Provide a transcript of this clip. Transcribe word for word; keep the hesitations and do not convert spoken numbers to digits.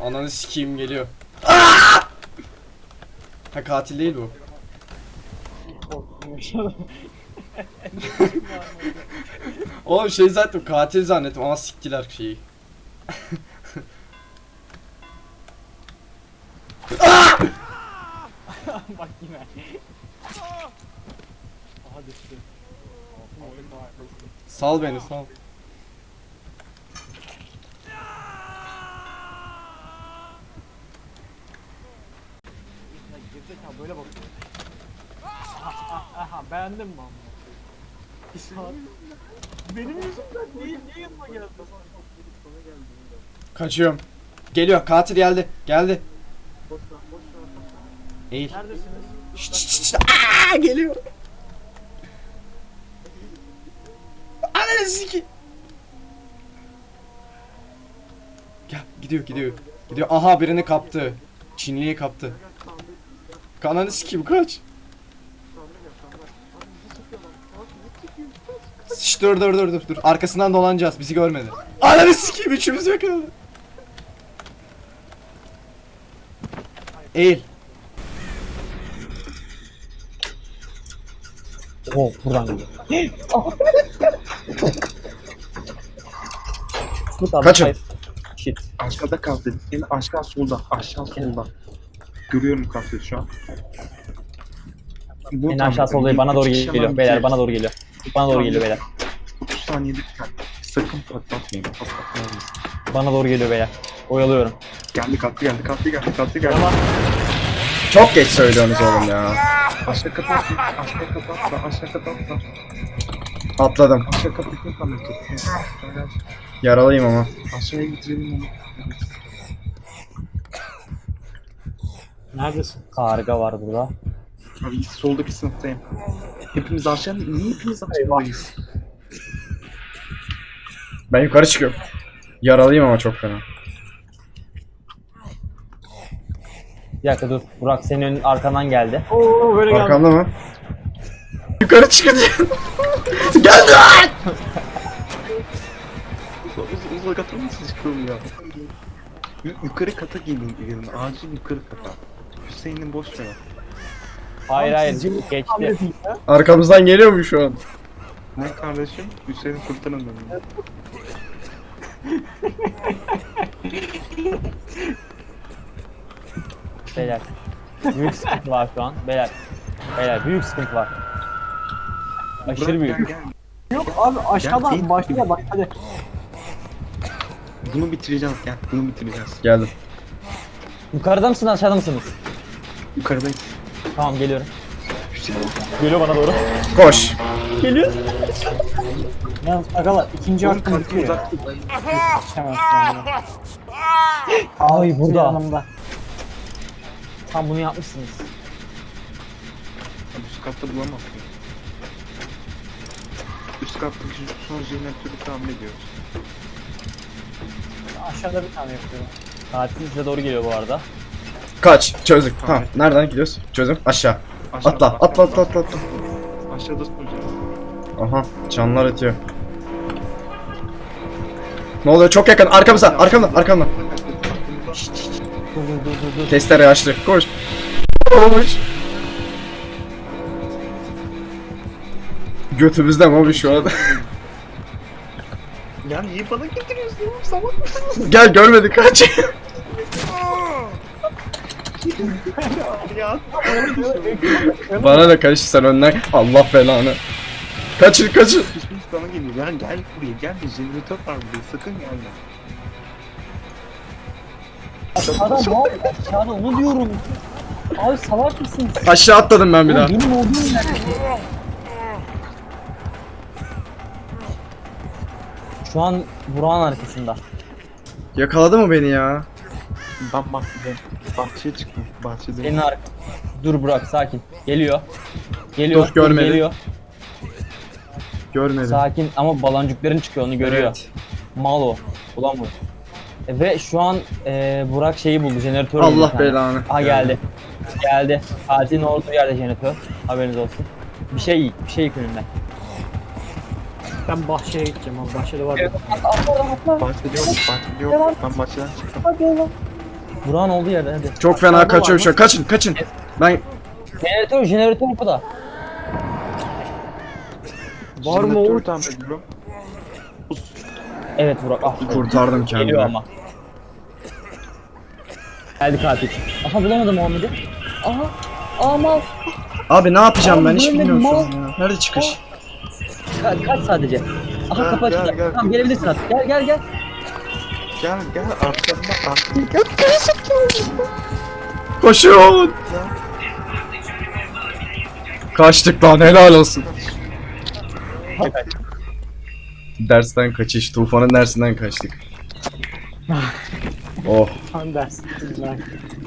Ananı sikeyim geliyor. Aa! Ha katil değil bu. Oğlum şey zaten katil zannettim ama siktiler şeyi. Bak yine. Aha düştü. Sal beni sal. Gerizekalı böyle bakıyor. Aha, aha beğendin mi amma? Bir saat. Benim yüzümden değil, niye yanıma geldin? Kaçıyorum. Geliyor katil geldi. Geldi. Eğil. Neredesiniz? Şşt şşt şşt. Aa, geliyor. Ananı sikeyim. Gel gidiyor gidiyor. Gidiyor. Aha birini kaptı. Çinliyi kaptı. Ananı sikeyim kaç. Şşt dur dur dur dur dur. Arkasından dolanacağız. Bizi görmedi. Ananı sikeyim üçümüz yakaladı. Eğil. Oh buradan geliyor. Kaçın. Shit. Aşağıda kaldı. En aşağı solda. Aşağı solda. Görüyorum kaldı şu an. Bu En tam- aşağı soldayım. Bana doğru üç kişi geliyor. var, Beyler bitiyor. bana doğru geliyor. Bana doğru geliyor beyler. otuz saniyede biter. Sakın patlatmayın. Patlatmayın. Bana doğru geliyor beyler. Oyalıyorum. Geldi kalktı geldi kalktı geldi kalktı geldi. Çok geç söylüyorsunuz oğlum ya. Aşağı kapat. Aşağı kapat. Aşağı kapat. Atladım. Aşağı kapatın tam tut. Yaralıyım ama. Aşağıya getirelim onu. Neredesin? Karga var burada. Abi soldaki sınıftayım. Hepimiz aşağı niye hepimiz aşağıdayız? Ben yukarı çıkıyorum. Yaralıyım ama çok fena. Bir dakika dur. Burak senin ön, arkandan geldi. Oo böyle geldi. Arkamda mı? Yukarı çıkacağım. Geldi lan! Uz uzak atır mısın çıkıyorum ya? Yu yukarı kata gelin gelin. Acil yukarı kata. Hüseyin'in boş ver. Hayır hayır Sizce bu geçti. hamle değil ya. Arkamızdan geliyor mu şu an? Ne kardeşim? Hüseyin'i kurtarın beni. Beyler. Büyük sıkıntı var şu an. Beyler. Beyler büyük sıkıntı var. Aşırı Bırak, büyük. Gel, gel. Yok abi Gel, aşağıdan başla bak hadi. Bunu bitireceğiz gel. Bunu bitireceğiz. Geldim. Yukarıda mısınız aşağıda mısınız? Yukarıdayız. Tamam geliyorum. Hüseyin. Geliyor bana doğru. Koş. Geliyor. Yalnız agalar ikinci Oğlum hakkım kalktı bitiyor ya. uzak. Yetişemez sonra. Ay burada. Yanımda. Tam bunu yapmışsınız. Abi üst katta bulamazsın. Üst kattaki şu son jeneratörü tahmin ediyoruz. Aşağıda bir tane yapıyorum. Katil size doğru geliyor bu arada. Kaç. Çözdük. Tamam. Nereden gidiyoruz? Çözüm. Aşağı. Aşağıda, Atla. Atla atla atla atla. Aşağıda son jeneratör. Aha. Canlar ötüyor. Ne oluyor? Çok yakın. Arkamızda. Arkamda. Arkamda. Dur dur dur dur dur. Testere açtı. Koş. Koş. Götümüzde mi abi şu an? Ya niye bana getiriyorsun oğlum? Salak mısın? Gel görmedik kaç. Ya. Bana da karış sen önden. Allah belanı. Kaçın kaçın. Hüseyin sana geliyor. Ya gel buraya gel. Jeneratör var buraya. Sakın gelme. Aşağıda ne oldu? Aşağıda onu diyorum. Abi salak mısın? Aşağı atladım ben bir daha. Benim olduğum yer. Şu an Burak'ın arkasında. Yakaladı mı beni ya? Ben bahçede. Bahçeye çıktım. Bahçede. Senin ark. Dur Burak sakin. Geliyor. Geliyor. Dur, görmedi. Geliyor. Görmedim. Sakin ama baloncukların çıkıyor onu görüyor. Evet. Mal o. Ulan bu. E, Ve şu an e, Burak şeyi buldu. Jeneratör buldu bir Allah tane. belanı. Aha geldi. Geldi. Katilin olduğu yerde jeneratör. Haberiniz olsun. Bir şey yiyik. Bir şey yiyik önünden. Ben bahçeye gideceğim abi bahçede var. Evet, atla atla atla. Bahçede yok. Bahçede yok. Ben bahçeden çıktım. Hadi oğlum. Burak'ın olduğu yerde hadi. Çok fena kaçıyor şu an. Kaçın kaçın. Ben Jeneratör, jeneratör burada. Var mı Jeneratörü Oğuz? tamir ediyorum. Evet Burak ah. kurtardım Geliyor kendimi. ama. Geldi katil. Aha bulamadım Muhammed'i. Aha. Ama Abi ne yapacağım ben Abi hiç böyle bilmiyorum şu mal- an ya. Nerede çıkış? ka- kaç sadece. Aha Gel, kapı gel, açıldı. gel. Tamam gelebilirsin artık. Gel gel gel. Gel gel arkamda arkamda. Koşun. Kaçtık lan helal olsun. Dersten kaçış. Tufanın dersinden kaçtık. Oh. Sen dersin.